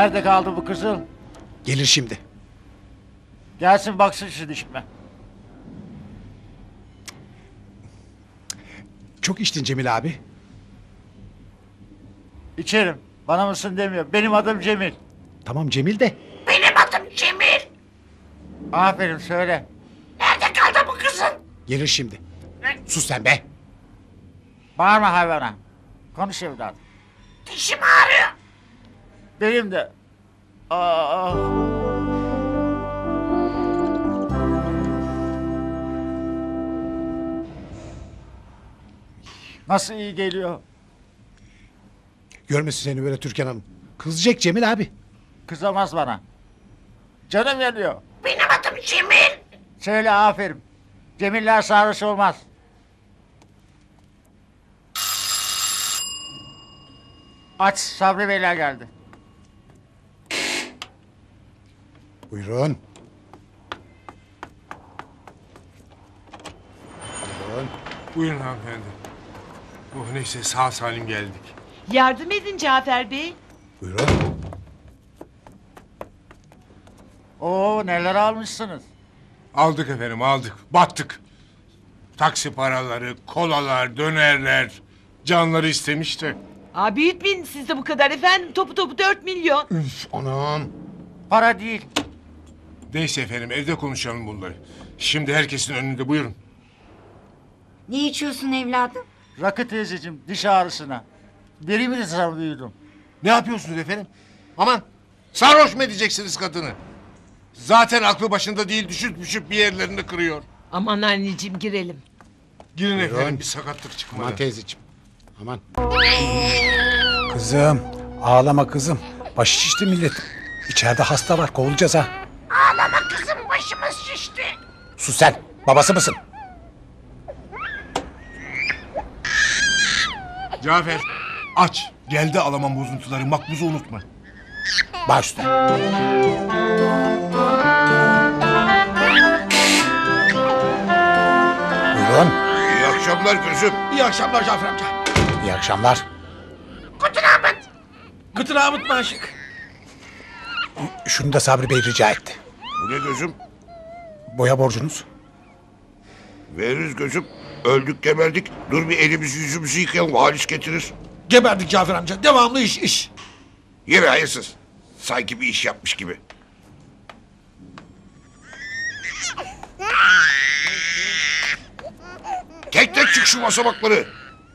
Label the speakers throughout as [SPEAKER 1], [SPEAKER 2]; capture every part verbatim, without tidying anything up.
[SPEAKER 1] Nerede kaldı bu kızıl?
[SPEAKER 2] Gelir şimdi.
[SPEAKER 1] Gelsin baksın şu dişime.
[SPEAKER 2] Çok içtin Cemil abi.
[SPEAKER 1] İçerim. Bana mısın demiyor. Benim adım Cemil.
[SPEAKER 2] Tamam Cemil de.
[SPEAKER 3] Benim adım Cemil.
[SPEAKER 1] Aferin söyle.
[SPEAKER 3] Nerede kaldı bu kızın?
[SPEAKER 2] Gelir şimdi. Sus sen be.
[SPEAKER 1] Bağırma hayvana. Konuş evladım.
[SPEAKER 3] Dişim ağrıyor.
[SPEAKER 1] Benim de. Aa. Nasıl iyi geliyor?
[SPEAKER 2] Görmesin seni böyle Türkan Hanım. Kızacak Cemil abi.
[SPEAKER 1] Kızamaz bana. Canım yanıyor.
[SPEAKER 3] Benim adım Cemil.
[SPEAKER 1] Söyle aferin. Cemiller sarhoş olmaz. Aç, Sabri Beyler geldi.
[SPEAKER 2] Buyurun. Buyurun.
[SPEAKER 4] Buyurun hanımefendi. Oh neyse sağ salim geldik.
[SPEAKER 5] Yardım edin Cafer Bey.
[SPEAKER 2] Buyurun.
[SPEAKER 1] Oo neler almışsınız.
[SPEAKER 4] Aldık efendim aldık. Battık. Taksi paraları, kolalar, dönerler. Canları istemiş de.
[SPEAKER 5] Aa, büyütmeyin siz de bu kadar efendim. Topu topu dört milyon.
[SPEAKER 2] Üf, anam.
[SPEAKER 1] Para değil.
[SPEAKER 4] Neyse efendim evde konuşalım bunları. Şimdi herkesin önünde buyurun.
[SPEAKER 3] Ne içiyorsun evladım?
[SPEAKER 1] Rakı teyzeciğim diş ağrısına. Deri mi sanıyordum?
[SPEAKER 4] Ne yapıyorsunuz efendim? Aman sarhoş mu edeceksiniz kadını? Zaten aklı başında değil düşüp düşüp bir yerlerini kırıyor.
[SPEAKER 5] Aman anneciğim girelim.
[SPEAKER 4] Girin
[SPEAKER 2] Buyurun.
[SPEAKER 4] efendim bir sakatlık çıkmadı.
[SPEAKER 2] Aman teyzeciğim. Aman. Kızım. Ağlama kızım. Başı şişti millet. İçeride hasta var. Kovulacağız ha.
[SPEAKER 3] Ağlama kızım, başımız şişti.
[SPEAKER 2] Sus sen. Babası mısın?
[SPEAKER 4] Cafer aç. Geldi alamam bozuntuları makbuzu unutma.
[SPEAKER 2] Baş üstüne. Buyurun.
[SPEAKER 4] İyi akşamlar gözüm.
[SPEAKER 6] İyi akşamlar Cafer amca.
[SPEAKER 2] İyi akşamlar.
[SPEAKER 3] Kutun Ahmet.
[SPEAKER 6] Gıtır Ahmet Maşık.
[SPEAKER 2] Şunu da Sabri Bey rica etti.
[SPEAKER 7] Bu ne gözüm?
[SPEAKER 2] Boya borcunuz.
[SPEAKER 7] Veririz gözüm. Öldük geberdik. Dur bir elimizi yüzümüzü yıkayalım. Halis getirir.
[SPEAKER 6] Geberdik Cafer amca. Devamlı iş iş.
[SPEAKER 7] Yine hayırsız. Sanki bir iş yapmış gibi. Tek tek çık şu basamakları.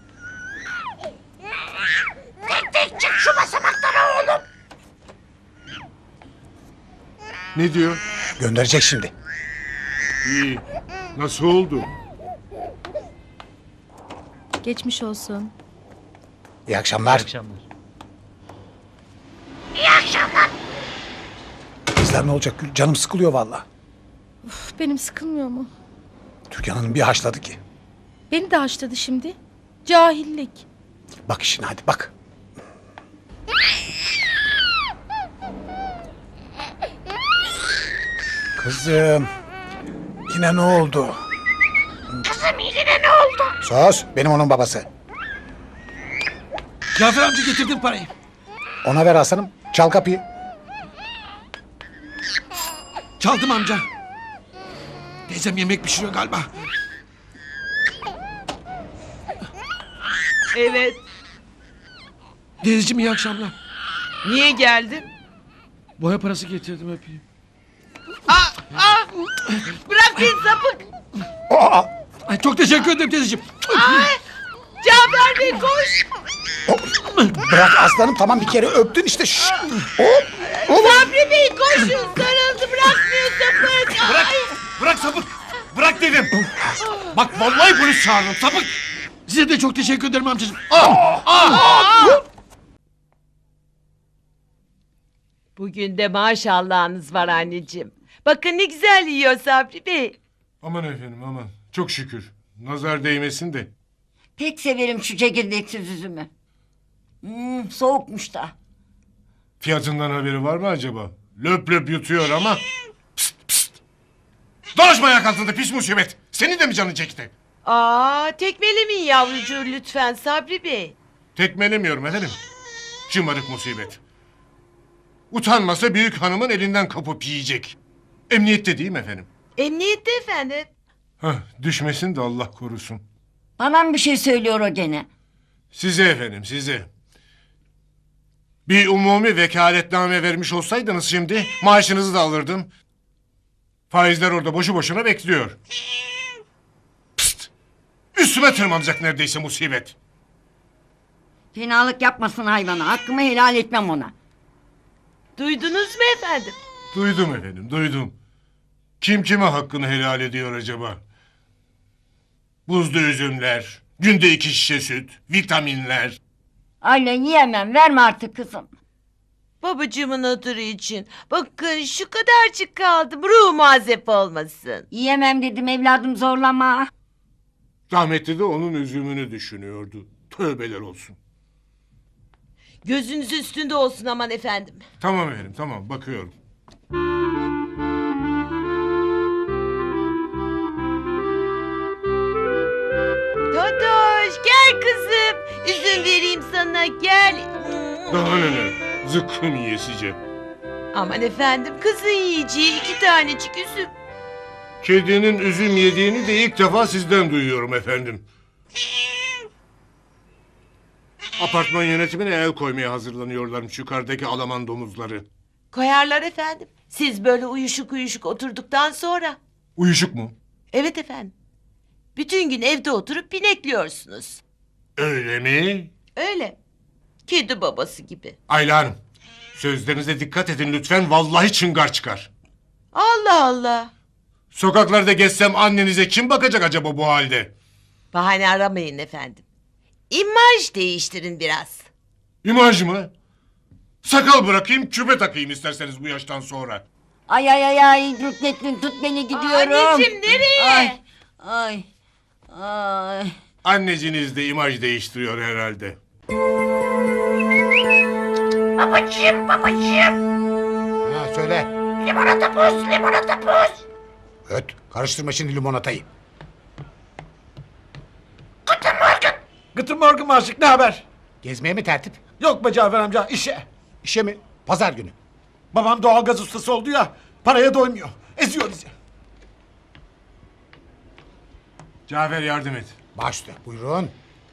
[SPEAKER 3] Tek tek çık şu basamaklara oğlum.
[SPEAKER 4] Ne diyor?
[SPEAKER 2] Gönderecek şimdi.
[SPEAKER 4] İyi. Nasıl oldu?
[SPEAKER 8] Geçmiş olsun.
[SPEAKER 2] İyi akşamlar.
[SPEAKER 3] İyi akşamlar.
[SPEAKER 2] Kızlar ne olacak Gül? Canım sıkılıyor valla.
[SPEAKER 8] Uf, benim sıkılmıyor mu?
[SPEAKER 2] Türkan Hanım bir haşladı ki.
[SPEAKER 8] Beni de haşladı şimdi. Cahillik.
[SPEAKER 2] Bak işine hadi bak. Kızım. Yine ne oldu?
[SPEAKER 3] Kızım yine ne oldu?
[SPEAKER 2] Sus. Benim onun babası.
[SPEAKER 6] Cafer amca getirdim parayı.
[SPEAKER 2] Ona ver aslanım. Çal kapıyı.
[SPEAKER 6] Çaldım amca. Teyzem yemek pişiriyor galiba.
[SPEAKER 5] Evet.
[SPEAKER 6] Teyzeciğim iyi akşamlar.
[SPEAKER 5] Niye geldin?
[SPEAKER 6] Boya parası getirdim öpeyim.
[SPEAKER 5] Bırak beni sapık.
[SPEAKER 2] Aa!
[SPEAKER 6] Ay çok teşekkür ederim teyzeciğim.
[SPEAKER 5] Cafer Bey koş.
[SPEAKER 2] Bırak aslanım tamam bir kere öptün işte. Şşş. Hop. Oğlum.
[SPEAKER 5] Sabri Bey koşun. Sarıldı bırakmıyor sapık. Ay.
[SPEAKER 4] Bırak sapık. Bırak dedim. Bak vallahi polis çağırdım sapık.
[SPEAKER 6] Size de çok teşekkür ederim amcacığım.
[SPEAKER 5] Bugün de maşallahınız var anneciğim. Bakın ne güzel yiyor Sabri Bey.
[SPEAKER 4] Aman efendim aman. Çok şükür. Nazar değmesin de.
[SPEAKER 3] Pek severim şu çekirdeksiz üzümü. Hmm, soğukmuş da.
[SPEAKER 4] Fiyatından haberi var mı acaba? Löp löp yutuyor ama. Pst pst. Dolaşma ayak altında pis musibet. Senin de mi canın çekti?
[SPEAKER 5] Aa, tekmelemeyin yavrucuğu lütfen Sabri Bey.
[SPEAKER 4] Tekmelemiyorum efendim. Şımarık musibet. Utanmasa büyük hanımın elinden kapıp yiyecek. Emniyette değil mi efendim?
[SPEAKER 5] Emniyette efendim.
[SPEAKER 4] Hah, düşmesin de Allah korusun.
[SPEAKER 3] Bana bir şey söylüyor o gene.
[SPEAKER 4] Size efendim, size. Bir umumi vekaletname vermiş olsaydınız şimdi maaşınızı da alırdım. Faizler orada boşu boşuna bekliyor. Pst! Üstüme tırmanacak neredeyse musibet.
[SPEAKER 3] Fenalık yapmasın hayvana. Hakkımı helal etmem ona.
[SPEAKER 5] Duydunuz mu efendim?
[SPEAKER 4] Duydum efendim, duydum. Kim kime hakkını helal ediyor acaba? Buzlu üzümler, günde iki şişe süt, vitaminler.
[SPEAKER 3] Ayla yiyemem. Verme artık kızım.
[SPEAKER 5] Babacığımın hatırı için. Bakın şu kadarcık kaldım. Ruh mazep olmasın.
[SPEAKER 3] Yiyemem dedim evladım, zorlama.
[SPEAKER 4] Rahmetli de onun üzümünü düşünüyordu. Tövbeler olsun.
[SPEAKER 5] Gözünüz üstünde olsun aman efendim.
[SPEAKER 4] Tamam efendim, tamam bakıyorum.
[SPEAKER 5] Totoş gel kızım. Üzüm vereyim sana gel.
[SPEAKER 4] Daha neler? Zıkkım yiyesice.
[SPEAKER 5] Aman efendim kızın yiyeceği iki tanecik üzüm.
[SPEAKER 4] Kedinin üzüm yediğini de ilk defa sizden duyuyorum efendim. Apartman yönetimine el koymaya hazırlanıyorlarmış yukarıdaki Alaman domuzları.
[SPEAKER 5] Koyarlar efendim. Siz böyle uyuşuk uyuşuk oturduktan sonra.
[SPEAKER 4] Uyuşuk mu?
[SPEAKER 5] Evet efendim. Bütün gün evde oturup pinekliyorsunuz.
[SPEAKER 4] Öyle mi?
[SPEAKER 5] Öyle. Kedi babası gibi.
[SPEAKER 4] Ayla Hanım, sözlerinize dikkat edin lütfen, vallahi çıngar çıkar.
[SPEAKER 5] Allah Allah.
[SPEAKER 4] Sokaklarda gezsem annenize kim bakacak acaba bu halde?
[SPEAKER 5] Bahane aramayın efendim. İmaj değiştirin biraz.
[SPEAKER 4] İmaj mı? Sakal bırakayım, küpe takayım isterseniz bu yaştan sonra.
[SPEAKER 3] Ay ay ay ay. Rüknettin tut beni, gidiyorum.
[SPEAKER 5] Anneciğim nereye?
[SPEAKER 3] Ay. Ay. Ay.
[SPEAKER 4] Anneciniz de imaj değiştiriyor herhalde.
[SPEAKER 2] Ha söyle. Limonata buz, limonata buz. Öt, karıştırma şimdi limonatayı.
[SPEAKER 6] Gıtır morgun aşık ne haber?
[SPEAKER 2] Gezmeye mi tertip?
[SPEAKER 6] Yok be Cafer amca işe.
[SPEAKER 2] İşe mi? Pazar günü.
[SPEAKER 6] Babam doğalgaz ustası oldu ya. Paraya doymuyor. Eziyor bizi.
[SPEAKER 4] Cafer yardım et.
[SPEAKER 2] Başla, buyurun.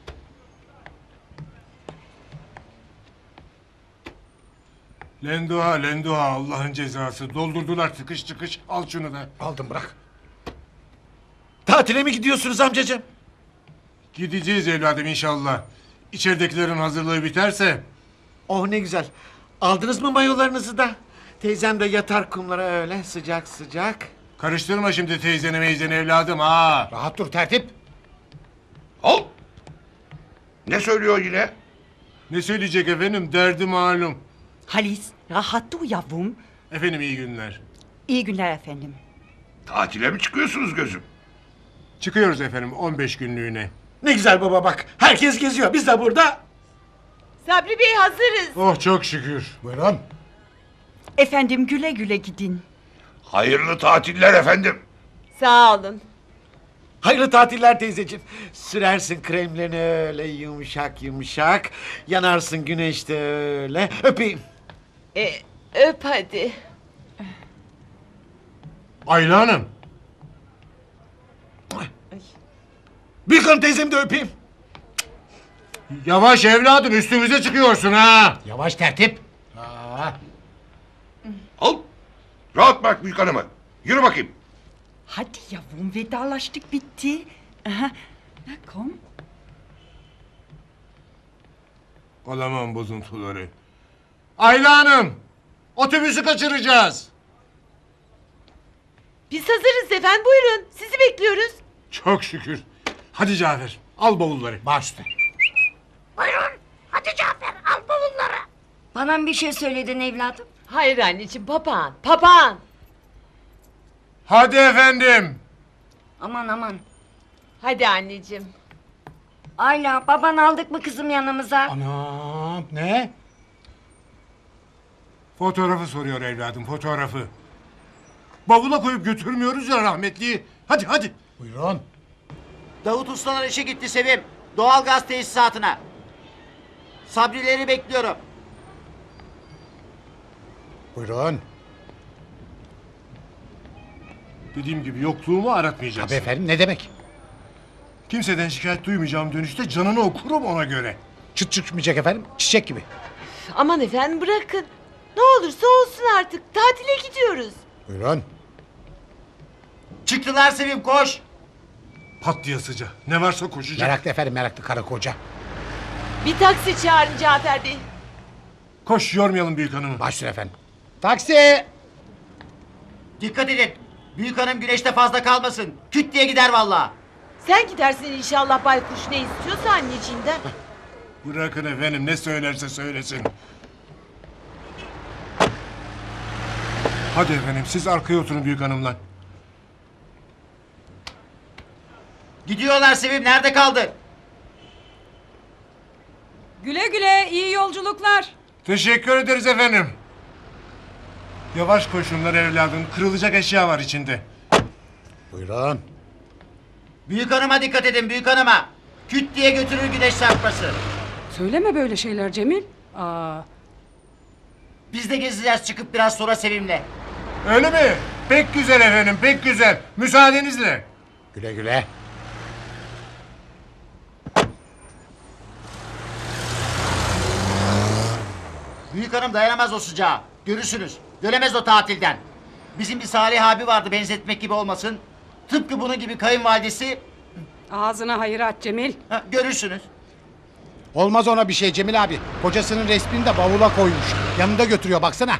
[SPEAKER 4] Lenduha, lenduha Allah'ın cezası. Doldurdular tıkış tıkış. Al şunu da.
[SPEAKER 2] Aldım bırak.
[SPEAKER 6] Tatile mi gidiyorsunuz amcacığım?
[SPEAKER 4] Gideceğiz evladım inşallah. İçeridekilerin hazırlığı biterse.
[SPEAKER 6] Oh ne güzel. Aldınız mı mayolarınızı da? Teyzem de yatar kumlara öyle sıcak sıcak.
[SPEAKER 4] Karıştırma şimdi teyzeni meyzeni evladım ha.
[SPEAKER 2] Rahat dur tertip.
[SPEAKER 7] Al. Ne söylüyor yine?
[SPEAKER 4] Ne söyleyecek efendim, derdi malum.
[SPEAKER 9] Halis, rahat dur yavrum.
[SPEAKER 4] Efendim iyi günler.
[SPEAKER 9] İyi günler efendim.
[SPEAKER 7] Tatile mi çıkıyorsunuz gözüm?
[SPEAKER 4] Çıkıyoruz efendim on beş günlüğüne.
[SPEAKER 6] Ne güzel baba bak. Herkes geziyor. Biz de burada.
[SPEAKER 5] Sabri Bey hazırız.
[SPEAKER 4] Oh çok şükür.
[SPEAKER 2] Buyurun.
[SPEAKER 9] Efendim güle güle gidin.
[SPEAKER 7] Hayırlı tatiller efendim.
[SPEAKER 5] Sağ olun.
[SPEAKER 6] Hayırlı tatiller teyzeciğim. Sürersin kremlerini öyle yumuşak yumuşak. Yanarsın güneşte öyle. Öpeyim.
[SPEAKER 5] E, öp hadi.
[SPEAKER 4] Ayla Hanım.
[SPEAKER 6] Büyük hanım teyzemi de öpeyim.
[SPEAKER 4] Yavaş evladım, üstümüze çıkıyorsun ha.
[SPEAKER 2] Yavaş tertip. Aa,
[SPEAKER 7] Al. Rahat bırak büyük hanımı. Yürü bakayım.
[SPEAKER 9] Hadi yavrum vedalaştık bitti. Aha. Na komm.
[SPEAKER 4] Alamam bozuntuları. Ayla Hanım. Otobüsü kaçıracağız.
[SPEAKER 5] Biz hazırız efendim buyurun. Sizi bekliyoruz.
[SPEAKER 4] Çok şükür. Hadi Cafer al bavulları.
[SPEAKER 2] başla.
[SPEAKER 3] Bana mı bir şey söyledin evladım?
[SPEAKER 5] Hayır anneciğim papağan papağan.
[SPEAKER 4] Hadi efendim.
[SPEAKER 3] Aman aman.
[SPEAKER 5] Hadi anneciğim.
[SPEAKER 3] Ayla, baban aldık mı kızım yanımıza?
[SPEAKER 2] Anam ne?
[SPEAKER 4] Fotoğrafı soruyor evladım, fotoğrafı. Bavula koyup götürmüyoruz ya rahmetliyi. Hadi hadi.
[SPEAKER 2] Buyurun.
[SPEAKER 1] Davut Ustalar işe gitti Sevim. Doğalgaz tesisatına. Sabrileri bekliyorum.
[SPEAKER 2] Buyurun.
[SPEAKER 4] Dediğim gibi yokluğumu aratmayacaksın.
[SPEAKER 2] Tabii efendim, ne demek?
[SPEAKER 4] Kimseden şikayet duymayacağım dönüşte canını okurum ona göre.
[SPEAKER 2] Çıt çıkmayacak efendim, çiçek gibi.
[SPEAKER 5] Aman efendim bırakın. Ne olursa olsun artık. Tatile gidiyoruz.
[SPEAKER 2] Buyurun.
[SPEAKER 1] Çıktılar Sevim koş.
[SPEAKER 4] Pat diye sıca. Ne varsa koşacak.
[SPEAKER 2] Meraklı efendim, meraklı karı koca.
[SPEAKER 5] Bir taksi çağırın Cafer Bey.
[SPEAKER 4] Koş yormayalım büyük hanımı.
[SPEAKER 2] Başüstüne efendim. Taksi!
[SPEAKER 1] Dikkat edin. Büyük hanım güneşte fazla kalmasın. Küt diye gider vallahi.
[SPEAKER 5] Sen gidersin inşallah baykuş ne istiyorsa anneciğinden.
[SPEAKER 4] Bırakın efendim ne söylerse söylesin. Hadi efendim siz arkaya oturun büyük hanımla.
[SPEAKER 1] Gidiyorlar Sevim, nerede kaldı?
[SPEAKER 9] Güle güle iyi yolculuklar.
[SPEAKER 4] Teşekkür ederiz efendim. Yavaş koşunlar evladım. Kırılacak eşya var içinde.
[SPEAKER 2] Buyurun.
[SPEAKER 1] Büyük hanıma dikkat edin, büyük hanıma. Küt diye götürür güneş çarpması.
[SPEAKER 9] Söyleme böyle şeyler Cemil. Aa,
[SPEAKER 1] Biz de gezeceğiz çıkıp biraz sonra Sevim'le.
[SPEAKER 4] Öyle mi? Pek güzel efendim pek güzel. Müsaadenizle.
[SPEAKER 2] Güle güle.
[SPEAKER 1] Büyük hanım dayanamaz o sıcağa. Görürsünüz. Dönemez o tatilden. Bizim bir Salih abi vardı, benzetmek gibi olmasın. Tıpkı bunun gibi kayınvalidesi.
[SPEAKER 9] ağzına hayır aç Cemil.
[SPEAKER 1] Ha, görürsünüz.
[SPEAKER 2] Olmaz ona bir şey Cemil abi. Kocasının resmini de bavula koymuş. Yanında götürüyor baksana.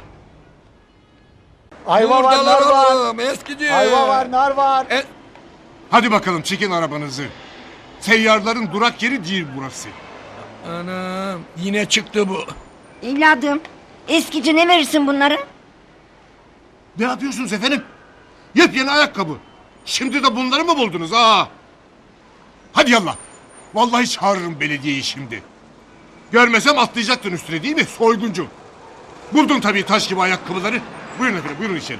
[SPEAKER 2] Ayva var, nar var.
[SPEAKER 10] Eskici.
[SPEAKER 2] Ayva var, nar var.
[SPEAKER 4] Hadi bakalım çekin arabanızı. Seyyarların durak yeri değil burası.
[SPEAKER 10] Anam yine çıktı bu.
[SPEAKER 3] Evladım, eskici ne verirsin bunları?
[SPEAKER 4] Ne yapıyorsunuz efendim? Yepyeni ayakkabı. Şimdi de bunları mı buldunuz ha? Hadi yallah. Vallahi çağırırım belediyeyi şimdi. Görmesem atlayacaktın üstüne değil mi soyguncu? Buldun tabii taş gibi ayakkabıları. Buyurun efendim buyurun içeri.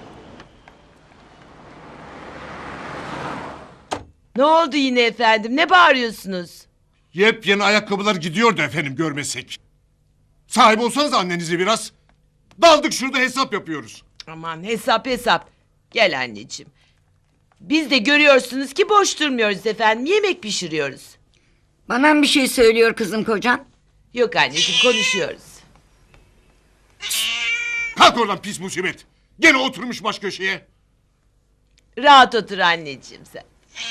[SPEAKER 5] Ne oldu yine efendim? Ne bağırıyorsunuz?
[SPEAKER 4] Yepyeni ayakkabılar gidiyordu efendim görmesek. Sahip olsanız annenizi biraz. Daldık şurada hesap yapıyoruz.
[SPEAKER 5] Aman hesap hesap. Gel anneciğim. Biz de görüyorsunuz ki boş durmuyoruz efendim. Yemek pişiriyoruz.
[SPEAKER 3] Bana mı bir şey söylüyor kızım kocan?
[SPEAKER 5] Yok anneciğim konuşuyoruz.
[SPEAKER 4] Kalk oradan pis musibet. Gene oturmuş baş köşeye.
[SPEAKER 5] Rahat otur anneciğim sen.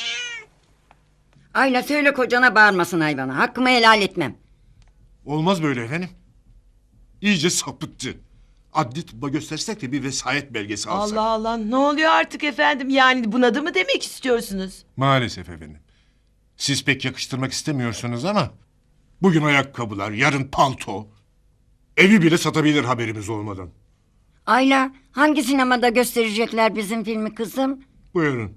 [SPEAKER 3] Ayla söyle kocana bağırmasın hayvana. Hakkımı helal etmem.
[SPEAKER 4] Olmaz böyle efendim. İyice sapıttı. Adli tıbba göstersek de bir vesayet belgesi alsak.
[SPEAKER 5] Allah Allah ne oluyor artık efendim? Yani bunadı mı demek istiyorsunuz?
[SPEAKER 4] Maalesef efendim. Siz pek yakıştırmak istemiyorsunuz ama... Bugün ayakkabılar, yarın palto. Evi bile satabilir haberimiz olmadan.
[SPEAKER 3] Ayla, hangi sinemada gösterecekler bizim filmi kızım?
[SPEAKER 4] Buyurun.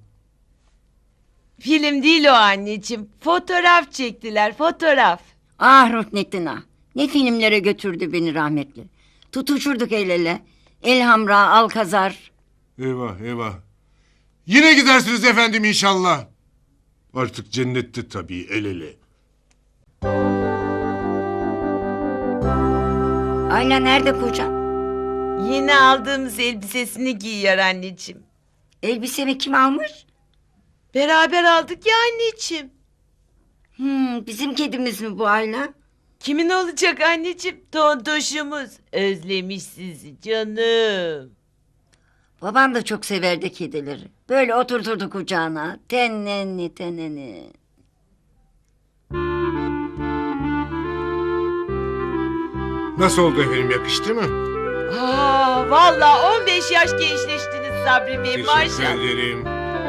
[SPEAKER 5] Film değil o anneciğim. Fotoğraf çektiler fotoğraf.
[SPEAKER 3] Ah Ruhnettin ah. Ne filmlere götürdü beni rahmetli. Tutuşurduk el ele. Elhamra, Alkazar.
[SPEAKER 4] Eyvah eyvah. Yine gidersiniz efendim inşallah. Artık cennette tabii el ele.
[SPEAKER 3] Ayla nerede kocan?
[SPEAKER 5] Yeni aldığımız elbisesini giyiyor anneciğim.
[SPEAKER 3] Elbisemi kim almış?
[SPEAKER 5] Beraber aldık ya anneciğim.
[SPEAKER 3] Hmm, bizim kedimiz mi bu Ayla?
[SPEAKER 5] Kimin olacak anneciğim? Tontoşumuz. Özlemiş sizi canım.
[SPEAKER 3] Babam da çok severdi kedileri. Böyle oturturdu kucağına. Tenenni teneni.
[SPEAKER 4] Nasıl oldu efendim yakıştı mı?
[SPEAKER 5] Aa, vallahi on beş yaş gençleştiniz Sabri Bey
[SPEAKER 4] Teşekkür
[SPEAKER 5] maşallah.
[SPEAKER 4] ederim.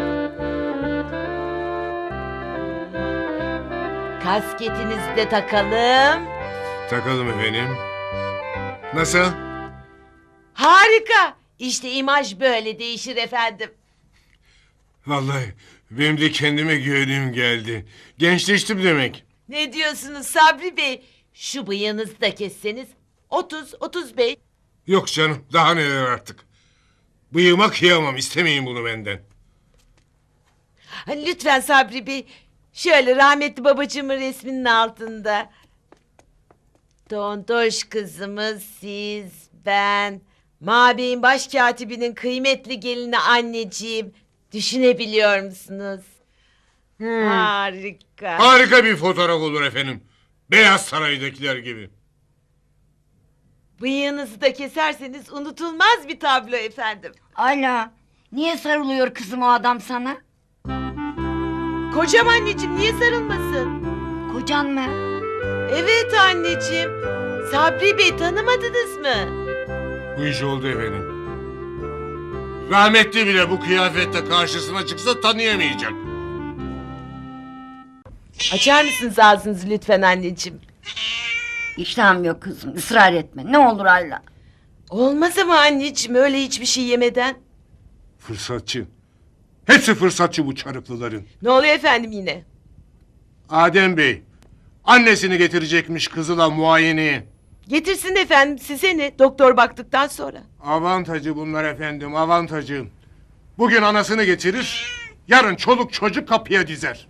[SPEAKER 5] Kasketinizi de takalım.
[SPEAKER 4] Takalım efendim. Nasıl?
[SPEAKER 5] Harika. İşte imaj böyle değişir efendim.
[SPEAKER 4] Vallahi benim de kendime güvenim geldi. Gençleştim demek.
[SPEAKER 5] Ne diyorsunuz Sabri Bey? Şu bıyığınızı da kesseniz otuz otuz beş.
[SPEAKER 4] Yok canım daha neler artık. Bıyığıma kıyamam istemeyin bunu benden.
[SPEAKER 5] Lütfen Sabri Bey. Şöyle rahmetli babacığımın resminin altında. Tontoş kızımız siz, ben, Mabey'in başkatibinin kıymetli gelini anneciğim. Düşünebiliyor musunuz? Harika.
[SPEAKER 4] Harika bir fotoğraf olur efendim. Beyaz Saray'dakiler gibi.
[SPEAKER 5] Bıyığınızı da keserseniz unutulmaz bir tablo efendim.
[SPEAKER 3] Ayla, niye sarılıyor kızım o adam sana?
[SPEAKER 5] Kocam anneciğim, niye sarılmasın?
[SPEAKER 3] Kocan mı?
[SPEAKER 5] Evet anneciğim. Sabri Bey, tanımadınız mı?
[SPEAKER 4] Bu iş oldu efendim. Rahmetli bile bu kıyafette karşısına çıksa tanıyamayacak.
[SPEAKER 5] Açar mısınız ağzınızı lütfen anneciğim?
[SPEAKER 3] İştahım yok kızım, ısrar etme. Ne olur Ayla.
[SPEAKER 5] Olmaz ama anneciğim, öyle hiçbir şey yemeden.
[SPEAKER 4] Fırsatçı. Hepsi fırsatçı bu çarıklıların.
[SPEAKER 5] Ne oluyor efendim yine?
[SPEAKER 4] Adem Bey, annesini getirecekmiş kızıla muayeneye.
[SPEAKER 5] Getirsin efendim, size ne? Doktor baktıktan sonra.
[SPEAKER 4] Avantajı bunlar efendim, avantajı. Bugün anasını getirir, yarın çoluk çocuk kapıya dizer.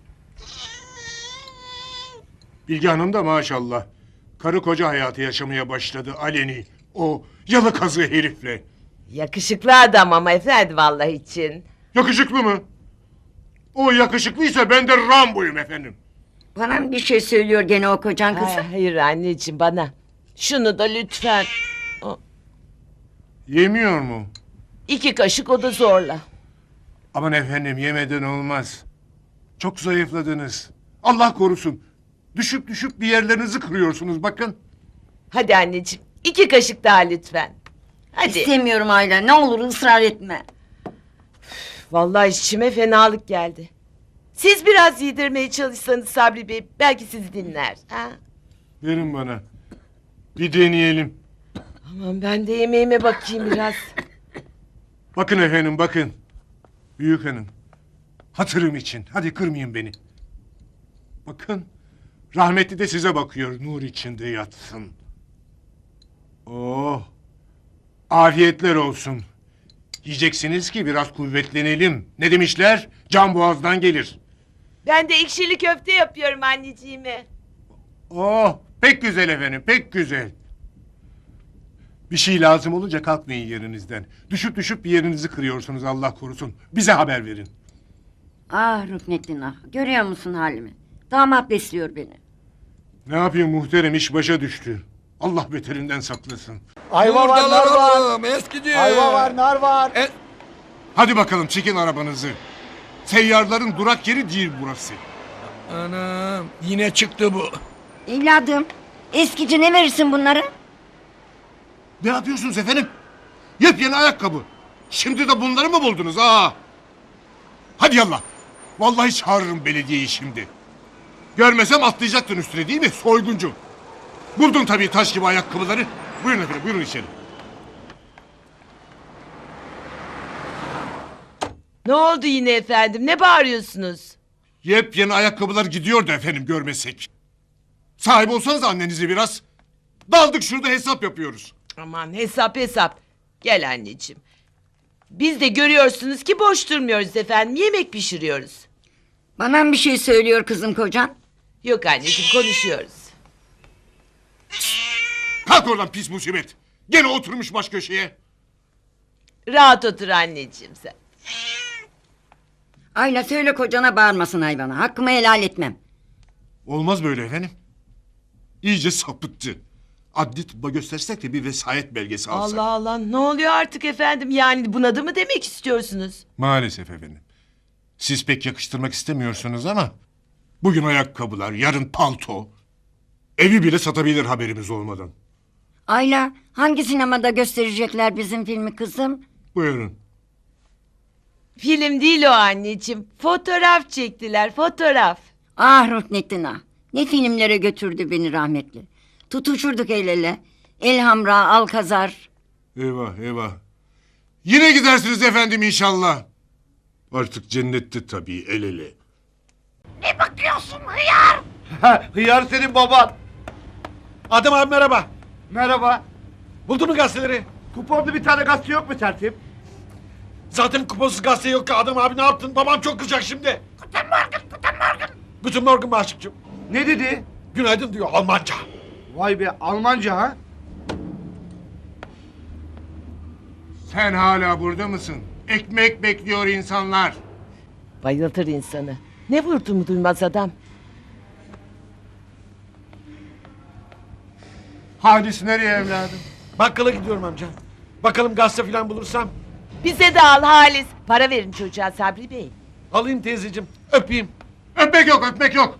[SPEAKER 4] Bilge Hanım da maşallah karı koca hayatı yaşamaya başladı aleni. O yalı kazığı herifle.
[SPEAKER 5] Yakışıklı adam ama efendim vallahi için.
[SPEAKER 4] Yakışıklı mı? O yakışıklıysa ben de Rambo'yum efendim.
[SPEAKER 3] Bana mı bir şey söylüyor gene o kocan kızım?
[SPEAKER 5] Ay, hayır anneciğim, bana. Şunu da lütfen. O,
[SPEAKER 4] Yemiyor mu?
[SPEAKER 5] İki kaşık, o da zorla.
[SPEAKER 4] Aman efendim yemeden olmaz. Çok zayıfladınız. Allah korusun. Düşüp düşüp bir yerlerinizi kırıyorsunuz bakın.
[SPEAKER 5] Hadi anneciğim, iki kaşık daha lütfen. Hadi.
[SPEAKER 3] İstemiyorum Ayla, ne olur ısrar etme.
[SPEAKER 5] Vallahi içime fenalık geldi. Siz biraz yedirmeye çalışsanız Sabri Bey, belki sizi dinler. Ha?
[SPEAKER 4] Verin bana. Bir deneyelim.
[SPEAKER 5] Aman ben de yemeğime bakayım biraz.
[SPEAKER 4] Bakın efendim bakın. Büyük hanım. Hatırım için. Hadi kırmayın beni. Bakın. Rahmetli de size bakıyor. Nur içinde yatsın. Oh. Afiyetler olsun. Yiyeceksiniz ki biraz kuvvetlenelim. Ne demişler? Can boğazdan gelir.
[SPEAKER 5] Ben de ekşili köfte yapıyorum anneciğime.
[SPEAKER 4] Oh. Pek güzel efendim. Pek güzel. Bir şey lazım olunca kalkmayın yerinizden. Düşüp düşüp bir yerinizi kırıyorsunuz Allah korusun. Bize haber verin.
[SPEAKER 3] Ah Rüknettin ah, görüyor musun halimi? Damat besliyor beni.
[SPEAKER 4] Ne yapayım muhterem, iş başa düştü. Allah beterinden saklasın.
[SPEAKER 2] Ayva var, nar var.
[SPEAKER 10] oğlum eskici.
[SPEAKER 2] Ayva var, nar var.
[SPEAKER 10] E,
[SPEAKER 4] Hadi bakalım çekin arabanızı. Seyyarların durak yeri değil burası.
[SPEAKER 10] Anam yine çıktı bu.
[SPEAKER 3] Evladım, eskici ne verirsin bunları?
[SPEAKER 4] Ne yapıyorsunuz efendim? Yepyeni ayakkabı. Şimdi de bunları mı buldunuz ha? Hadi yallah. Vallahi çağırırım belediyeyi şimdi. Görmesem atlayacaktın üstüne değil mi soyguncu? Buldun tabii taş gibi ayakkabıları. Buyurun efendim, buyurun içeri.
[SPEAKER 5] Ne oldu yine efendim? Ne bağırıyorsunuz?
[SPEAKER 4] Yepyeni ayakkabılar gidiyordu efendim görmesek. Sahip olsanız annenizi biraz. Daldık şurada hesap yapıyoruz.
[SPEAKER 5] Aman hesap hesap. Gel anneciğim. Biz de görüyorsunuz ki boş durmuyoruz efendim. Yemek pişiriyoruz.
[SPEAKER 3] Bana mı bir şey söylüyor kızım kocan?
[SPEAKER 5] Yok anneciğim, konuşuyoruz.
[SPEAKER 4] Kalk oradan pis musibet. Gene oturmuş baş köşeye.
[SPEAKER 5] Rahat otur anneciğim sen.
[SPEAKER 3] Ayla söyle kocana bağırmasın hayvana. Hakkımı helal etmem.
[SPEAKER 4] Olmaz böyle efendim. İyice sapıttı. Adli tıbba göstersek de bir vesayet belgesi alsak.
[SPEAKER 5] Allah Allah, ne oluyor artık efendim? Yani bunadı mı demek istiyorsunuz?
[SPEAKER 4] Maalesef efendim. Siz pek yakıştırmak istemiyorsunuz ama... Bugün ayakkabılar, yarın palto. Evi bile satabilir haberimiz olmadan.
[SPEAKER 3] Ayla, hangi sinemada gösterecekler bizim filmi kızım?
[SPEAKER 4] Buyurun.
[SPEAKER 5] Film değil o anneciğim. Fotoğraf çektiler, fotoğraf.
[SPEAKER 3] Ah Rüknettin ah. Ne filmlere götürdü beni rahmetli. Tutuşurduk el ele. Elhamra, Alkazar.
[SPEAKER 4] Eyvah eyvah. Yine gidersiniz efendim inşallah. Artık cennette tabii el ele.
[SPEAKER 6] Ha, hıyar senin baban. Adem abi merhaba.
[SPEAKER 1] Merhaba.
[SPEAKER 6] Buldun mu gazeteleri?
[SPEAKER 1] Kuponlu bir tane gazete yok mu tertip?
[SPEAKER 6] Zaten kuponsuz gazete yok ki Adem abi, ne yaptın? Babam çok kızacak şimdi. Guten Morgen, Guten Morgen. Guten Morgen Maşıkçım.
[SPEAKER 1] Ne dedi?
[SPEAKER 6] Günaydın diyor Almanca.
[SPEAKER 1] Vay be, Almanca ha?
[SPEAKER 4] Sen hala burada mısın? Ekmek bekliyor insanlar.
[SPEAKER 5] Bayıltır insanı. Ne vurduğumu duymaz adam.
[SPEAKER 4] Halis nereye evladım?
[SPEAKER 6] Bakkala gidiyorum amca. Bakalım gazete falan bulursam.
[SPEAKER 5] Bize de al Halis. Para verin çocuğa Sabri Bey.
[SPEAKER 6] Alayım teyzeciğim. Öpeyim.
[SPEAKER 4] Öpmek yok, öpmek yok.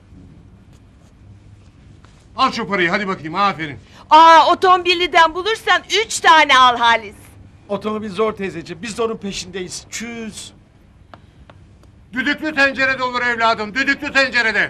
[SPEAKER 4] Al şu parayı, hadi bakayım, aferin.
[SPEAKER 5] Aa otomobilden bulursan üç tane al Halis.
[SPEAKER 6] Otomobil zor teyzeciğim. Biz de onun peşindeyiz. Çüz.
[SPEAKER 4] Düdüklü tencerede olur evladım, düdüklü tencerede.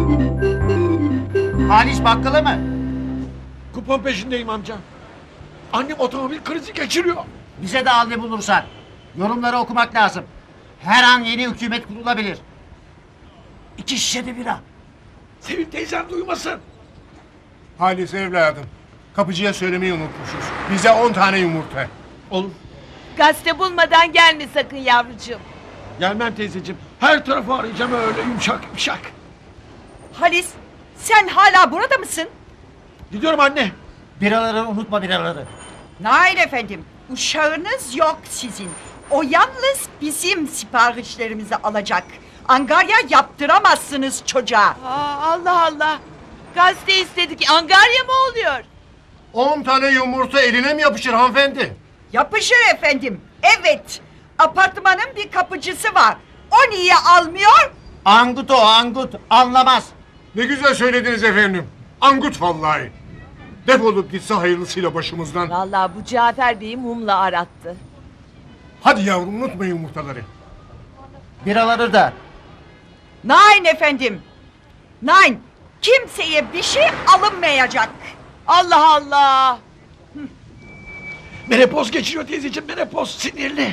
[SPEAKER 1] Halis bakkala mı?
[SPEAKER 6] Kupon peşindeyim amca. Annem otomobil krizi geçiriyor.
[SPEAKER 1] Bize de al ne bulursan. Yorumları okumak lazım. Her an yeni hükümet kurulabilir. İki şişe de bira.
[SPEAKER 6] Sevim teyzem duymasın.
[SPEAKER 4] Halis evladım, kapıcıya söylemeyi unutmuşuz. Bize on tane yumurta.
[SPEAKER 6] Olur.
[SPEAKER 5] Gazete bulmadan gelme sakın yavrucuğum.
[SPEAKER 6] Gelmem teyzeciğim. Her tarafı arayacağım öyle yumuşak yumuşak.
[SPEAKER 9] Halis sen hala burada mısın?
[SPEAKER 6] Gidiyorum anne.
[SPEAKER 1] Biraları unutma biraları.
[SPEAKER 9] Hayır efendim. Uşağınız yok sizin. O yalnız bizim siparişlerimizi alacak. Angarya yaptıramazsınız çocuğa.
[SPEAKER 5] Aa, Allah Allah. Gazete istedik. Angarya mı oluyor?
[SPEAKER 4] On tane yumurta eline mi yapışır hanımefendi?
[SPEAKER 9] Yapışır efendim. Evet. Apartmanın bir kapıcısı var. O niye almıyor?
[SPEAKER 1] Angut o angut. Anlamaz.
[SPEAKER 4] Ne güzel söylediniz efendim. Angut vallahi. Defolup gitse hayırlısıyla başımızdan.
[SPEAKER 5] Vallahi bu Cafer Bey'i mumla arattı.
[SPEAKER 4] Hadi yavrum unutma yumurtaları.
[SPEAKER 1] Biraları da.
[SPEAKER 9] Nein efendim. Nein. Kimseye bir şey alınmayacak.
[SPEAKER 5] Allah Allah.
[SPEAKER 6] Menopoz geçiriyor teyzeciğim. Menopoz sinirli.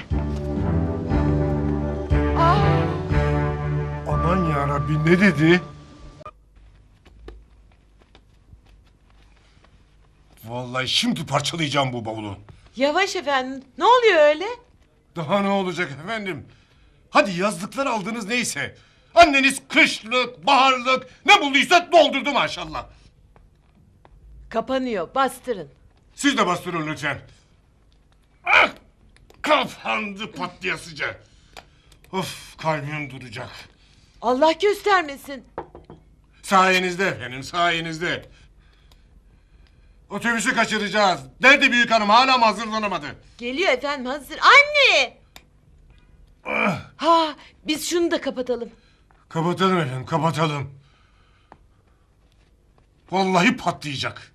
[SPEAKER 4] Aman yarabbi ne dedi? Vallahi şimdi parçalayacağım bu bavulu.
[SPEAKER 5] Yavaş efendim. Ne oluyor öyle?
[SPEAKER 4] Daha ne olacak efendim? Hadi yazlıklar aldınız neyse. Anneniz kışlık, baharlık ne bulduysa doldurdu maşallah.
[SPEAKER 5] Kapanıyor. Bastırın.
[SPEAKER 4] Siz de bastırın lütfen. Ah! Kapandı patlayasıca. Of kalbim duracak.
[SPEAKER 5] Allah göstermesin.
[SPEAKER 4] Sayenizde efendim sayenizde. Otobüsü kaçıracağız. Nerede büyük hanım hala mı hazırlanamadı?
[SPEAKER 5] Geliyor efendim hazır. Anne! Ha, biz şunu da kapatalım.
[SPEAKER 4] Kapatalım efendim kapatalım. Vallahi patlayacak.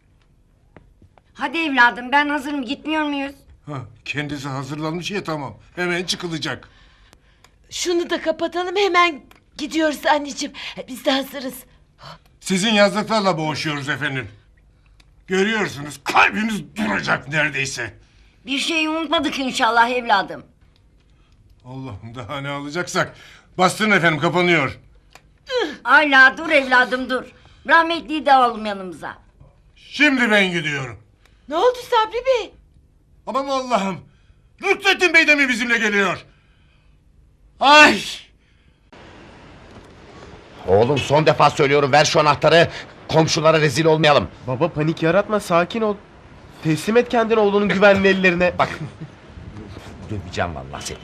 [SPEAKER 3] Hadi evladım ben hazırım gitmiyor muyuz?
[SPEAKER 4] Ha, kendisi hazırlanmış ya tamam. Hemen çıkılacak.
[SPEAKER 5] Şunu da kapatalım hemen gidiyoruz anneciğim. Biz de hazırız.
[SPEAKER 4] Sizin yazdıklarla boğuşuyoruz efendim. Görüyorsunuz kalbimiz duracak neredeyse.
[SPEAKER 3] Bir şey unutmadık inşallah evladım.
[SPEAKER 4] Allah'ım daha ne alacaksak. Bastırın efendim kapanıyor.
[SPEAKER 3] Hala dur evladım dur. Rahmetliyi de alalım yanımıza.
[SPEAKER 4] Şimdi ben gidiyorum.
[SPEAKER 5] Ne oldu Sabri Bey?
[SPEAKER 4] Aman Allah'ım. Rüknettin Bey de mi bizimle geliyor? Ay!
[SPEAKER 2] Oğlum son defa söylüyorum ver şu anahtarı. Komşulara rezil olmayalım.
[SPEAKER 11] Baba panik yaratma sakin ol. Teslim et kendini oğlunun güvenli ellerine.
[SPEAKER 2] Bak. Döveceğim vallahi seni.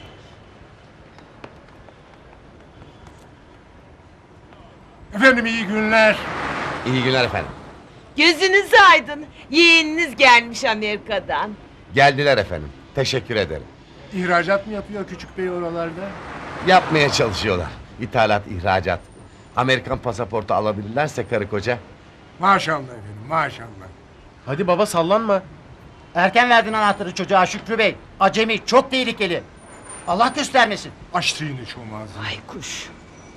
[SPEAKER 4] Efendim iyi günler.
[SPEAKER 2] İyi günler efendim.
[SPEAKER 5] Gözünüz aydın. Yeğeniniz gelmiş Amerika'dan.
[SPEAKER 2] Geldiler efendim. Teşekkür ederim.
[SPEAKER 4] İhracat mı yapıyor küçük bey oralarda?
[SPEAKER 2] Yapmaya çalışıyorlar. İthalat, ihracat. Amerikan pasaportu alabilirlerse karı koca.
[SPEAKER 4] Maşallah efendim maşallah.
[SPEAKER 11] Hadi baba sallanma.
[SPEAKER 1] Erken verdin anahtarı çocuğa Şükrü Bey. Acemi çok tehlikeli. Allah göstermesin.
[SPEAKER 4] Açtı yine şu ağzını.
[SPEAKER 5] Ay kuş.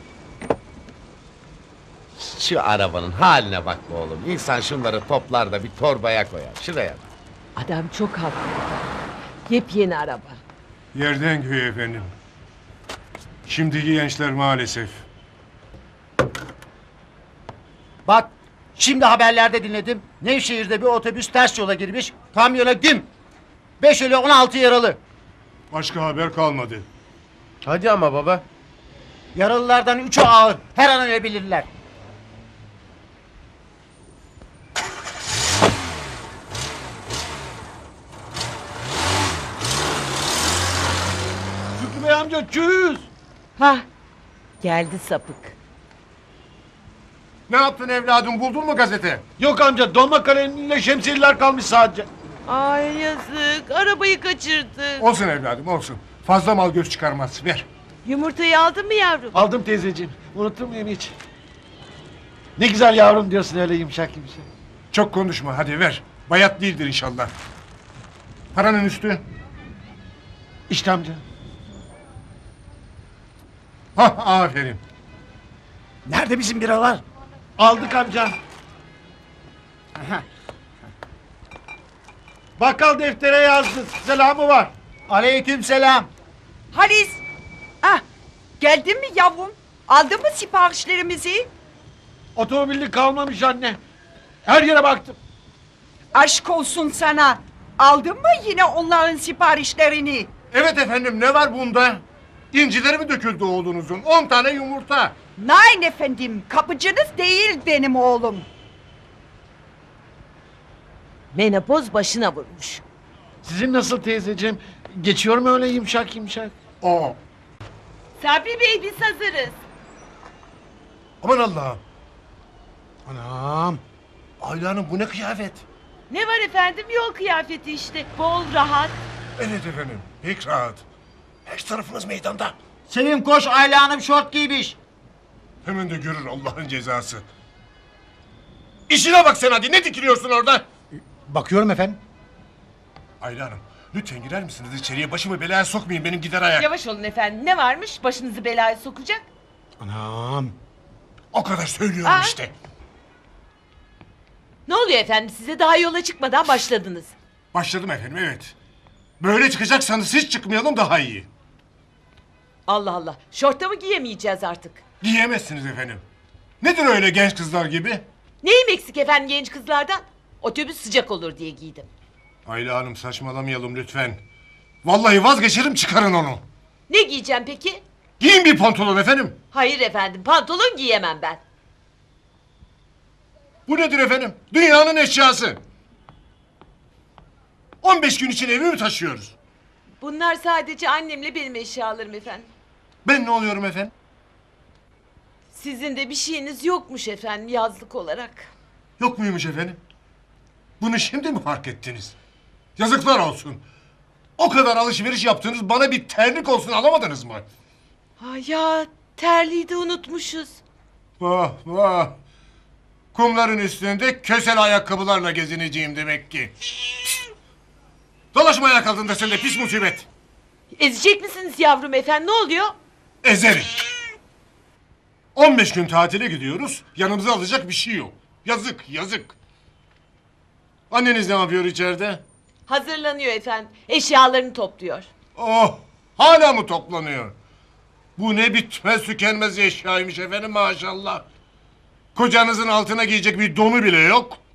[SPEAKER 2] Şu arabanın haline bak be oğlum. İnsan şunları toplar da bir torbaya koyar. Şuraya bak.
[SPEAKER 5] Adam çok haklı. Yepyeni araba.
[SPEAKER 4] Yerden göğe efendim. Şimdiki gençler maalesef.
[SPEAKER 1] Bak şimdi haberlerde dinledim. Nevşehir'de bir otobüs ters yola girmiş. Kamyona güm. Beş ölü on altı yaralı.
[SPEAKER 4] Başka haber kalmadı.
[SPEAKER 11] Hadi ama baba.
[SPEAKER 1] Yaralılardan üçü ağır. Her an ölebilirler.
[SPEAKER 6] amca çüz.
[SPEAKER 5] Hah geldi sapık.
[SPEAKER 4] Ne yaptın evladım, buldun mu gazete?
[SPEAKER 6] Yok amca dolma kalemiyle şemsiyeler kalmış sadece.
[SPEAKER 5] Ay yazık arabayı kaçırdık.
[SPEAKER 4] Olsun evladım olsun. Fazla mal göz çıkarmaz, ver.
[SPEAKER 5] Yumurtayı aldın mı yavrum?
[SPEAKER 6] Aldım teyzeciğim. Unutur muyum hiç? Ne güzel yavrum diyorsun öyle yumuşak yumuşak.
[SPEAKER 4] Çok konuşma, hadi ver. Bayat değildir inşallah. Paranın üstü.
[SPEAKER 6] İşte amca.
[SPEAKER 4] Hah, aferin.
[SPEAKER 6] Nerede bizim biralar? Aldık amca. Bakkal deftere yazdı. Selamı var.
[SPEAKER 1] Aleyküm selam.
[SPEAKER 9] Halis. Ah, geldin mi yavrum? Aldın mı siparişlerimizi?
[SPEAKER 6] Otomobilli kalmamış anne. Her yere baktım.
[SPEAKER 9] Aşk olsun sana. Aldın mı yine onların siparişlerini?
[SPEAKER 4] Evet efendim, ne var bunda? İncileri mi döküldü oğlunuzun? On tane yumurta.
[SPEAKER 9] Nein efendim, kapıcınız değil benim oğlum.
[SPEAKER 5] Menopoz başına vurmuş.
[SPEAKER 6] Sizin nasıl teyzeciğim? Geçiyor mu öyle yumuşak yumuşak?
[SPEAKER 4] Oo.
[SPEAKER 5] Sabri Bey biz hazırız.
[SPEAKER 4] Aman Allah'ım.
[SPEAKER 2] Anam.
[SPEAKER 4] Ayla Hanım, bu ne kıyafet?
[SPEAKER 5] Ne var efendim yol kıyafeti işte. Bol rahat.
[SPEAKER 4] Evet efendim, pek rahat. Her tarafınız meydanda.
[SPEAKER 1] Sevim koş, Ayla Hanım şort giymiş.
[SPEAKER 4] Hemen de görür Allah'ın cezası. İşine bak sen hadi, ne dikiliyorsun orada?
[SPEAKER 2] Bakıyorum efendim.
[SPEAKER 4] Ayla Hanım, lütfen girer misiniz içeriye? Başımı belaya sokmayın, benim gider ayak.
[SPEAKER 5] Yavaş olun efendim. Ne varmış başınızı belaya sokacak?
[SPEAKER 2] Anam.
[SPEAKER 4] O kadar söylüyorum
[SPEAKER 5] Aa.
[SPEAKER 4] işte.
[SPEAKER 5] Ne oluyor efendim size daha yola çıkmadan başladınız.
[SPEAKER 4] Başladım efendim, evet. Böyle çıkacaksanız hiç çıkmayalım, daha iyi.
[SPEAKER 5] Allah Allah. Şorta mı giyemeyeceğiz artık?
[SPEAKER 4] Giyemezsiniz efendim. Nedir öyle genç kızlar gibi?
[SPEAKER 5] Neyim eksik efendim genç kızlardan? Otobüs sıcak olur diye giydim.
[SPEAKER 4] Ayla Hanım, saçmalamayalım lütfen. Vallahi vazgeçerim, çıkarın onu.
[SPEAKER 5] Ne giyeceğim peki?
[SPEAKER 4] Giyin bir pantolon efendim.
[SPEAKER 5] Hayır efendim pantolon giyemem ben.
[SPEAKER 4] Bu nedir efendim? Dünyanın eşyası. on beş gün için evi mi taşıyoruz?
[SPEAKER 5] Bunlar sadece annemle benim eşyalarım efendim.
[SPEAKER 4] Ben ne oluyorum efendim?
[SPEAKER 5] Sizin de bir şeyiniz yokmuş efendim yazlık olarak.
[SPEAKER 4] Yok muymuş efendim? Bunu şimdi mi fark ettiniz? Yazıklar olsun. O kadar alışveriş yaptınız, bana bir terlik olsun alamadınız mı?
[SPEAKER 5] Ha ya terliği de unutmuşuz.
[SPEAKER 4] Vah vah. Kumların üstünde kösel ayakkabılarla gezineceğim demek ki. Pişt! Dolaşma ayak altında sen de pis musibet.
[SPEAKER 5] Ezecek misiniz yavrum efendim ne oluyor?
[SPEAKER 4] Ezerim. on beş gün tatile gidiyoruz, yanımıza alacak bir şey yok. Yazık yazık. Anneniz ne yapıyor içeride?
[SPEAKER 5] Hazırlanıyor efendim. Eşyalarını topluyor.
[SPEAKER 4] Oh, hala mı toplanıyor? Bu ne bitmez tükenmez eşyaymış efendim maşallah. Kocanızın altına giyecek bir donu bile yok.